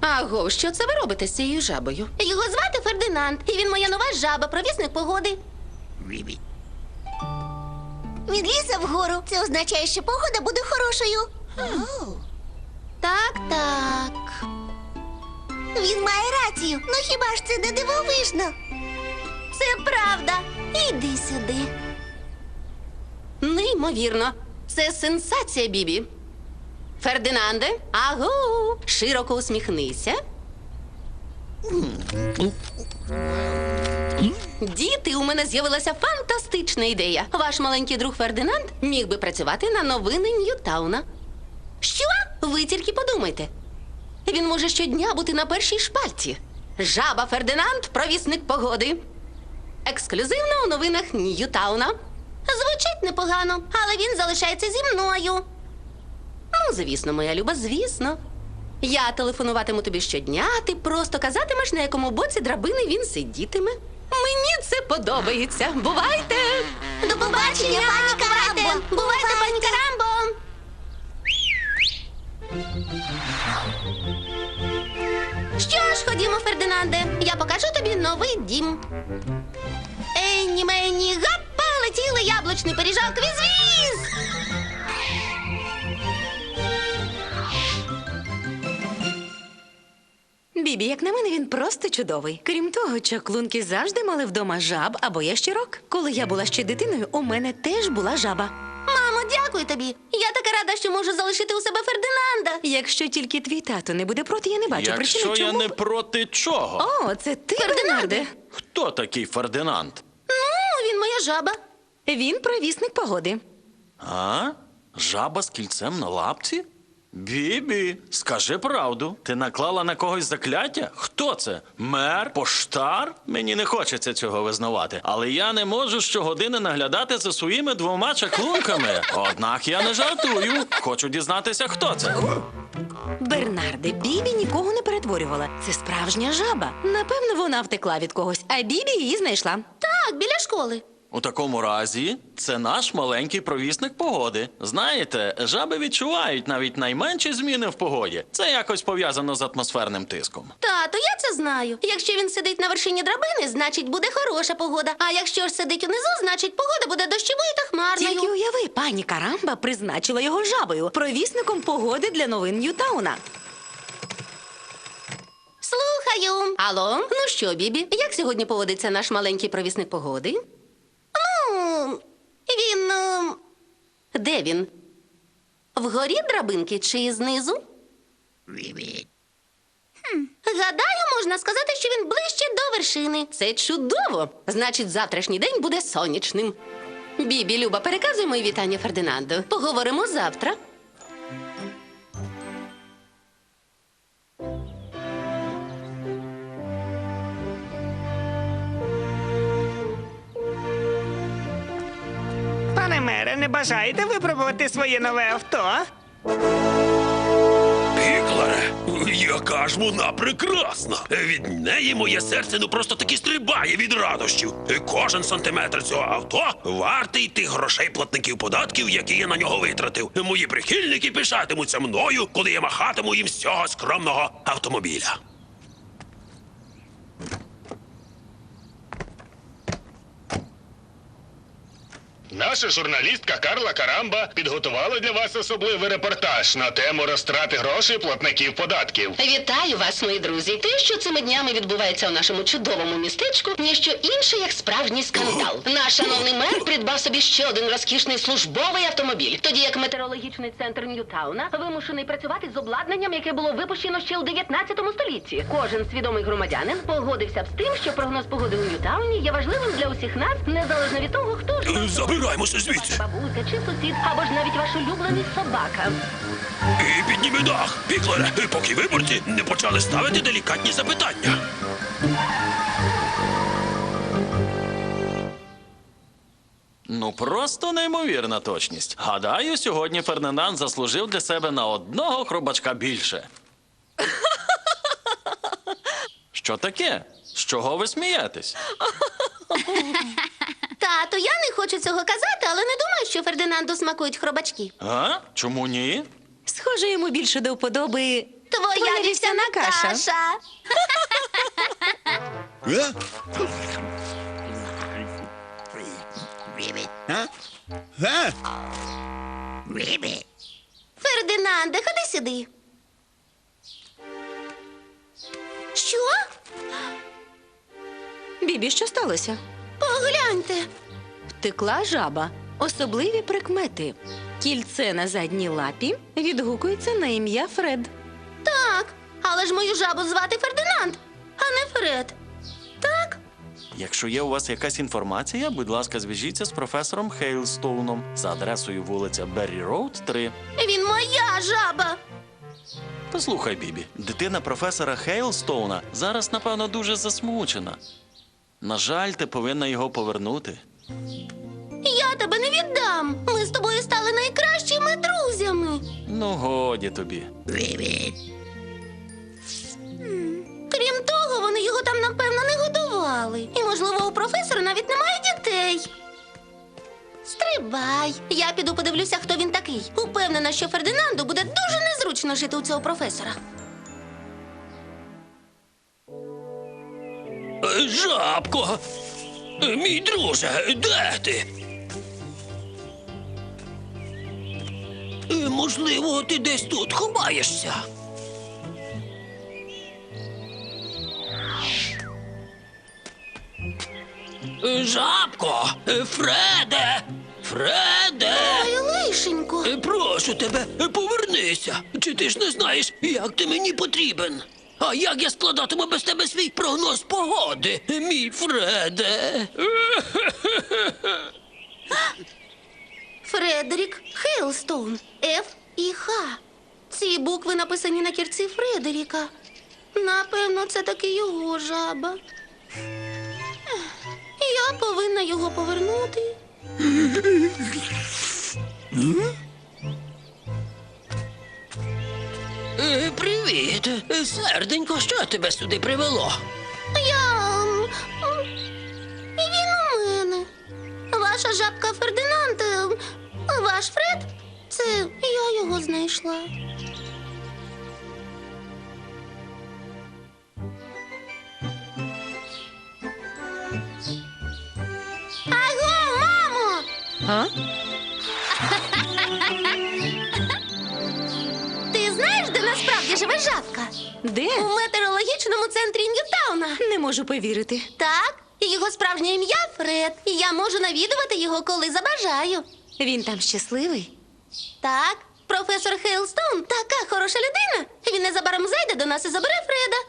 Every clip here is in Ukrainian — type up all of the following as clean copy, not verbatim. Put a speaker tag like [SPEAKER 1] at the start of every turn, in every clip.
[SPEAKER 1] Аго, що це ви робите з цією жабою?
[SPEAKER 2] Його звати Фердинанд, і він моя нова жаба, провісник погоди. Він лізе вгору. Це означає, що погода буде хорошою. Так, так. Він має рацію. Ну хіба ж це не дивовижно? Це правда. Іди сюди.
[SPEAKER 1] Неймовірно. Це сенсація, Бібі. Фердинанде, аго, широко усміхнися. Діти, у мене з'явилася фантастична ідея. Ваш маленький друг Фердинанд міг би працювати на новини Ньютауна. Що? Ви тільки подумайте. Він може щодня бути на першій шпальті. Жаба Фердинанд – провісник погоди. Ексклюзивно у новинах Ньютауна.
[SPEAKER 2] Звучить непогано, але він залишається зі мною.
[SPEAKER 1] Ну, звісно, моя люба, звісно. Я телефонуватиму тобі щодня, а ти просто казатимеш, на якому боці драбини він сидітиме. Мені це подобається. Бувайте!
[SPEAKER 2] До побачення, пані Карамбо! Бувайте, пані Карамбо! Що ж, ходімо, Фердинанде, я покажу тобі новий дім. Енні, мені, гапа, летіли яблучний пиріжок, віз-віз!
[SPEAKER 3] Бібі, як на мене, він просто чудовий. Крім того, чаклунки завжди мали вдома жаб або ящерок. Коли я була ще дитиною, у мене теж була жаба.
[SPEAKER 2] Мамо, дякую тобі. Я така рада, що можу залишити у себе Фердинанда.
[SPEAKER 3] Якщо тільки твій тато не буде проти, я не бачу причини,
[SPEAKER 4] Якщо я
[SPEAKER 3] чому...
[SPEAKER 4] не проти чого?
[SPEAKER 3] О, це ти,
[SPEAKER 2] Фердинанде.
[SPEAKER 3] Бернарде.
[SPEAKER 4] Хто такий Фердинанд?
[SPEAKER 2] Ну, він моя жаба.
[SPEAKER 3] Він провісник погоди.
[SPEAKER 4] А? Жаба з кільцем на лапці? Бібі, скажи правду. Ти наклала на когось закляття? Хто це? Мер? Поштар? Мені не хочеться цього визнавати. Але я не можу щогодини наглядати за своїми двома чаклунками. Однак я не жартую. Хочу дізнатися, хто це.
[SPEAKER 3] Бернарде, Бібі нікого не перетворювала. Це справжня жаба. Напевно, вона втекла від когось, а Бібі її знайшла.
[SPEAKER 2] Так, біля школи.
[SPEAKER 4] У такому разі, це наш маленький провісник погоди. Знаєте, жаби відчувають навіть найменші зміни в погоді. Це якось пов'язано з атмосферним тиском.
[SPEAKER 2] Тато, я це знаю. Якщо він сидить на вершині драбини, значить буде хороша погода. А якщо ж сидить унизу, значить погода буде дощовою та хмарною.
[SPEAKER 3] Тільки уяви, пані Карамба призначила його жабою, провісником погоди для новин Ньютауна.
[SPEAKER 2] Слухаю.
[SPEAKER 1] Алло, ну що, Бібі, як сьогодні поводиться наш маленький провісник погоди?
[SPEAKER 2] Ну, він...
[SPEAKER 1] Де він? Вгорі драбинки чи знизу?
[SPEAKER 2] Гадаю, можна сказати, що він ближче до вершини.
[SPEAKER 1] Це чудово! Значить, завтрашній день буде сонячним. Бібі, Люба, переказуй мої вітання Фердинанду. Поговоримо завтра.
[SPEAKER 5] Пане мере, не бажаєте випробувати своє нове авто?
[SPEAKER 6] Піклере, яка ж вона прекрасна! Від неї моє серце ну просто таки стрибає від радощів. Кожен сантиметр цього авто вартий тих грошей платників податків, які я на нього витратив. Мої прихильники пишатимуться мною, коли я махатиму їм з цього скромного автомобіля.
[SPEAKER 7] Наша журналістка Карла Карамба підготувала для вас особливий репортаж на тему розтрати грошей платників податків.
[SPEAKER 1] Вітаю вас, мої друзі. Те, що цими днями відбувається у нашому чудовому містечку, ніщо інше, як справжній скандал. Наш шановний мер придбав собі ще один розкішний службовий автомобіль, тоді як метеорологічний центр Ньютауна вимушений працювати з обладнанням, яке було випущено ще у 19 столітті. Кожен свідомий громадянин погодився б з тим, що прогноз погоди у Ньютауні є важливим для усіх нас, незалежно від того, хто ж...
[SPEAKER 6] Забираємося звідси.
[SPEAKER 1] Бабуся чи сусід, або ж навіть ваш улюблений собака.
[SPEAKER 6] І підніми дах, Піклере, поки виборці не почали ставити делікатні запитання.
[SPEAKER 4] Ну, просто неймовірна точність. Гадаю, сьогодні Фердинанд заслужив для себе на одного хробачка більше. Що таке? З чого ви смієтесь?
[SPEAKER 2] Тато, я не хочу цього казати, але не думаю, що Фердинанду смакують хробачки.
[SPEAKER 4] А? Чому ні?
[SPEAKER 3] Схоже, йому більше до вподоби
[SPEAKER 2] Твоя вівсяна каша. Фердинанде, ходи сюди. Що?
[SPEAKER 3] Бібі, що сталося?
[SPEAKER 2] Погляньте.
[SPEAKER 3] Втекла жаба. Особливі прикмети. Кільце на задній лапі відгукується на ім'я Фред.
[SPEAKER 2] Так, але ж мою жабу звати Фердинанд, а не Фред. Так?
[SPEAKER 4] Якщо є у вас якась інформація, будь ласка, зв'яжіться з професором Хейлстоуном за адресою вулиця Беррі Роуд, 3.
[SPEAKER 2] Він моя жаба.
[SPEAKER 4] Послухай, Бібі, дитина професора Хейлстоуна зараз, напевно, дуже засмучена. На жаль, ти повинна його повернути.
[SPEAKER 2] Я тебе не віддам. Ми з тобою стали найкращими друзями.
[SPEAKER 4] Ну, годі тобі.
[SPEAKER 2] Крім того, вони його там, напевно, не годували. І, можливо, у професора навіть немає дітей. Стрибай. Я піду подивлюся, хто він такий. Упевнена, що Фердинанду буде дуже незручно жити у цього професора.
[SPEAKER 6] Жабко! Мій друже, де ти? Можливо, ти десь тут ховаєшся. Жабко! Фреде! Фреде!
[SPEAKER 2] Ой, лишенько.
[SPEAKER 6] Прошу тебе, повернися. Чи ти ж не знаєш, як ти мені потрібен? А як я складатиму без тебе свій прогноз погоди, мій Фреде?
[SPEAKER 2] Фредерік Хейлстоун. Ф і Х. Ці букви написані на кірці Фредеріка. Напевно, це таки його жаба. Я повинна його повернути.
[SPEAKER 6] Привіт, серденько, що тебе сюди привело?
[SPEAKER 2] І він у мене. Ваша жабка Фердинанд. Ваш Фред? Це я його знайшла. Аго, мамо!
[SPEAKER 3] А?
[SPEAKER 2] Ти знаєш, де насправді живе жабка?
[SPEAKER 3] Де?
[SPEAKER 2] У метеорологічному центрі Ньютауна.
[SPEAKER 3] Не можу повірити.
[SPEAKER 2] Так, і його справжнє ім'я Фред. І я можу навідувати його, коли забажаю.
[SPEAKER 3] Він там щасливий.
[SPEAKER 2] Так, професор Хейлстоун така хороша людина. Він незабаром зайде до нас і забере Фреда.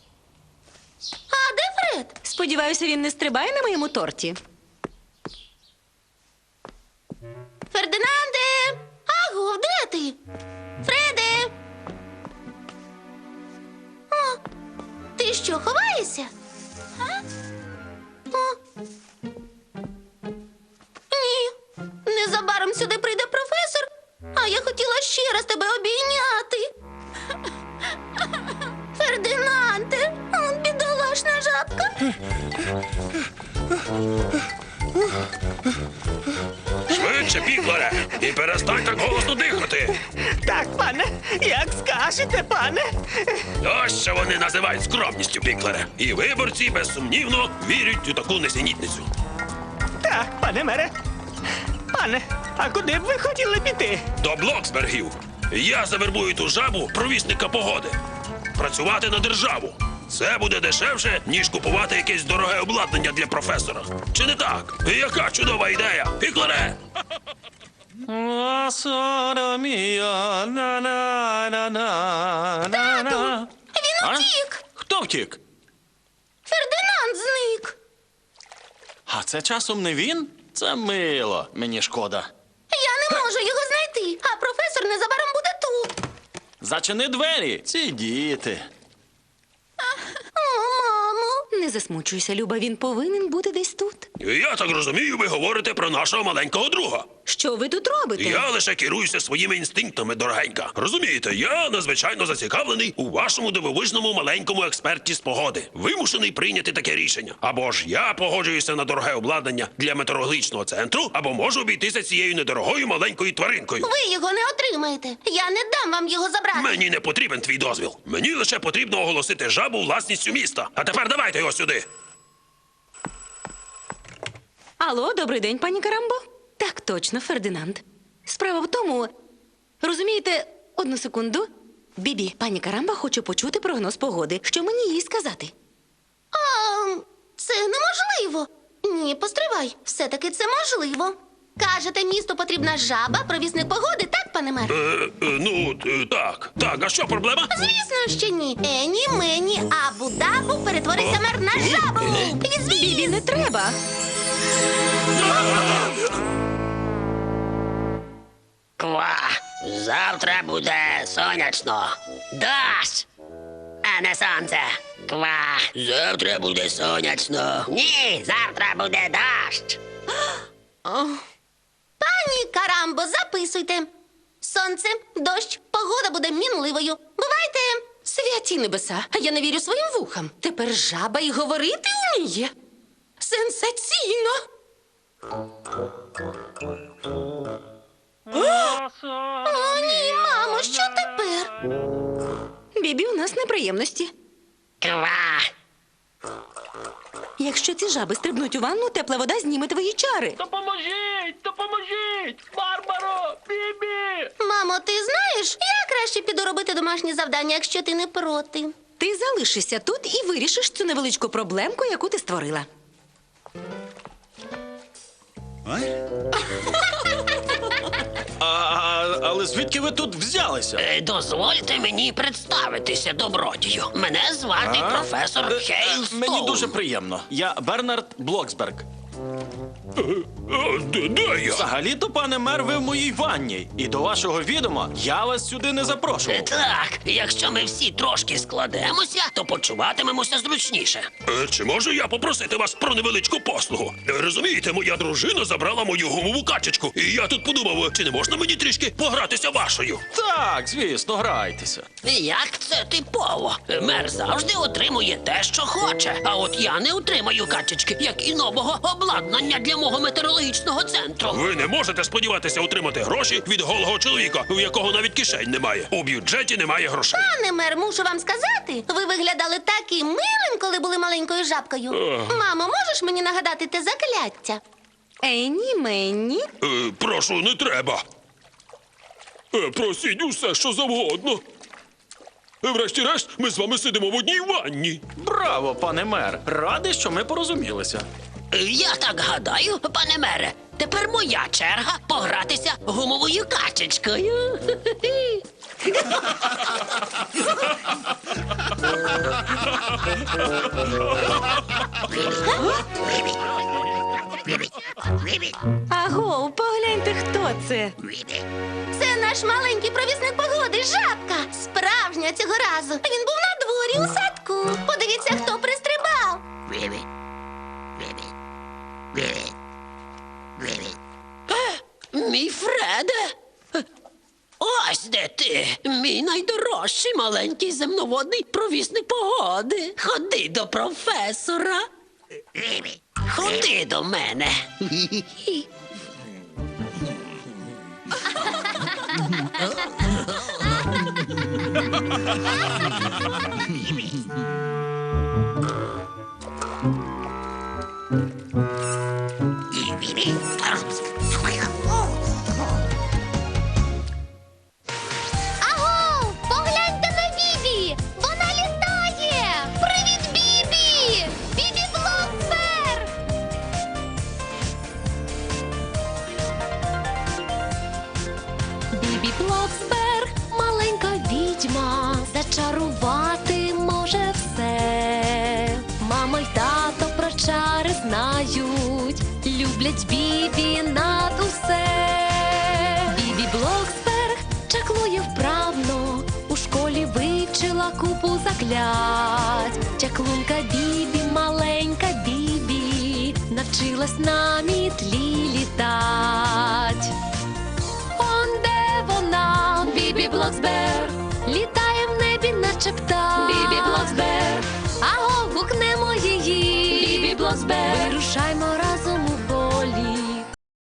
[SPEAKER 2] А де Фред?
[SPEAKER 3] Сподіваюся, він не стрибає на моєму торті.
[SPEAKER 2] Фердинанде! Аго, де ти? Фреде! О, ти що, ховаєшся? А? О. Ні, незабаром сюди прийде професор, а я хотіла ще раз тебе обійняти. Фердинанде, бідолашна жабка.
[SPEAKER 6] Швидше, Піклере, і перестань так голосно дихати.
[SPEAKER 5] Так, пане, як скажете, пане.
[SPEAKER 6] Ось що вони називають скромністю, Піклере. І виборці, безсумнівно, вірять у таку несенітницю.
[SPEAKER 5] Так, пане мере. Пане, а куди б ви хотіли піти?
[SPEAKER 6] До Блоксбергів. Я завербую ту жабу провісника погоди. Працювати на державу. Це буде дешевше, ніж купувати якесь дороге обладнання для професора. Чи не так? Яка чудова ідея, Піклере!
[SPEAKER 2] Тату, він утік.
[SPEAKER 4] Хто втік?
[SPEAKER 2] Фердинанд зник.
[SPEAKER 4] А це часом не він? Це мило, мені шкода.
[SPEAKER 2] Я не можу його знайти, а професор незабаром буде тут.
[SPEAKER 4] Зачини двері, ці діти.
[SPEAKER 2] О, мамо.
[SPEAKER 3] Не засмучуйся, Люба, він повинен бути десь тут.
[SPEAKER 6] Я так розумію, ви говорите про нашого маленького друга.
[SPEAKER 3] Що ви тут робите?
[SPEAKER 6] Я лише керуюся своїми інстинктами, дорогенька. Розумієте, я надзвичайно зацікавлений у вашому дивовижному маленькому експерті з погоди. Вимушений прийняти таке рішення. Або ж я погоджуюся на дороге обладнання для метеорологічного центру, або можу обійтися цією недорогою маленькою тваринкою.
[SPEAKER 2] Ви його не отримаєте. Я не дам вам його забрати.
[SPEAKER 6] Мені не потрібен твій дозвіл. Мені лише потрібно оголосити жабу власністю міста. А тепер давайте його сюди.
[SPEAKER 3] Алло, добрий день, пані Карамбо. Так точно, Фердинанд. Справа в тому, розумієте, одну секунду. Бібі, пані Карамба хоче почути прогноз погоди. Що мені їй сказати?
[SPEAKER 2] Це неможливо. Ні, постривай. Все-таки це можливо. Кажете, місту потрібна жаба, провісник погоди, так, пане мер?
[SPEAKER 6] Так. Так, а що проблема?
[SPEAKER 2] Звісно, що ні. Ені, мені, абу-дабу, перетвориться мер на жабу.
[SPEAKER 3] Бібі, не треба.
[SPEAKER 8] Ква, завтра буде сонячно. Дощ, а не сонце. Ква, завтра буде сонячно. Ні, завтра буде дощ.
[SPEAKER 2] Пані Карамбо, записуйте. Сонце, дощ, погода буде мінливою. Бувайте.
[SPEAKER 1] Святі небеса, а я не вірю своїм вухам. Тепер жаба й говорити вміє. Сенсаційно!
[SPEAKER 2] О, ні, мамо, що тепер?
[SPEAKER 3] Бібі, у нас неприємності.
[SPEAKER 8] Ква.
[SPEAKER 3] Якщо ці жаби стрибнуть у ванну, тепла вода зніме твої чари.
[SPEAKER 5] Допоможіть! Допоможіть! Барбаро! Бібі!
[SPEAKER 2] Мамо, ти знаєш, я краще піду робити домашні завдання, якщо ти не проти.
[SPEAKER 3] Ти залишишся тут і вирішиш цю невеличку проблемку, яку ти створила.
[SPEAKER 4] Але звідки ви тут взялися?
[SPEAKER 8] Дозвольте мені представитися, добродію. Мене звати професор Хейлстоун.
[SPEAKER 4] Мені дуже приємно. Я Бернард Блоксберг.
[SPEAKER 6] Де я?
[SPEAKER 4] Взагалі-то, пане мер, ви в моїй ванні. І до вашого відома я вас сюди не запрошував.
[SPEAKER 8] Так, якщо ми всі трошки складемося, то почуватимемося зручніше.
[SPEAKER 6] Чи можу я попросити вас про невеличку послугу? Розумієте, моя дружина забрала мою гумову качечку, і я тут подумав, чи не можна мені трішки погратися вашою?
[SPEAKER 4] Так, звісно, грайтеся.
[SPEAKER 8] Як це типово? Мер завжди отримує те, що хоче. А от я не отримаю качечки, як і нового обладнання для мого метеорологічного центру.
[SPEAKER 6] Ви не можете сподіватися отримати гроші від голого чоловіка, у якого навіть кишень немає. У бюджеті немає грошей.
[SPEAKER 2] Пане мер, мушу вам сказати, ви виглядали таким милим, коли були маленькою жабкою. Мамо, можеш мені нагадати те закляття?
[SPEAKER 3] Енні, Менні.
[SPEAKER 6] Прошу, не треба. Просіть усе, що завгодно. Врешті-решт, ми з вами сидимо в одній ванні.
[SPEAKER 4] Браво, пане мер. Радий, що ми порозумілися.
[SPEAKER 8] Я так гадаю, пане мере, тепер моя черга погратися гумовою качечкою.
[SPEAKER 3] Аго, погляньте, хто це.
[SPEAKER 2] Це наш маленький провісник погоди, жабка. Справжня цього разу. Він був на дворі у садку. Подивіться, хто пристрибав.
[SPEAKER 8] Мій Фреде. Ось де ти, мій найдорожчий маленький земноводний провісник погоди. Ходи до професора. Ходи до мене.
[SPEAKER 2] Аго, погляньте на Бібі! Вона літає! Привіт, Бібі! Бібі Блоксберг!
[SPEAKER 9] Бібі Блоксберг, маленька відьма, зачарувати може все. Мама й тато про чари знають, люблять Бібі над усе. Бібі Блоксберг чаклує вправно, у школі вивчила купу заклять. Чаклунка Бібі, маленька Бібі, на навчилась на мітлі літать. Он де вона, Бібі Блоксберг.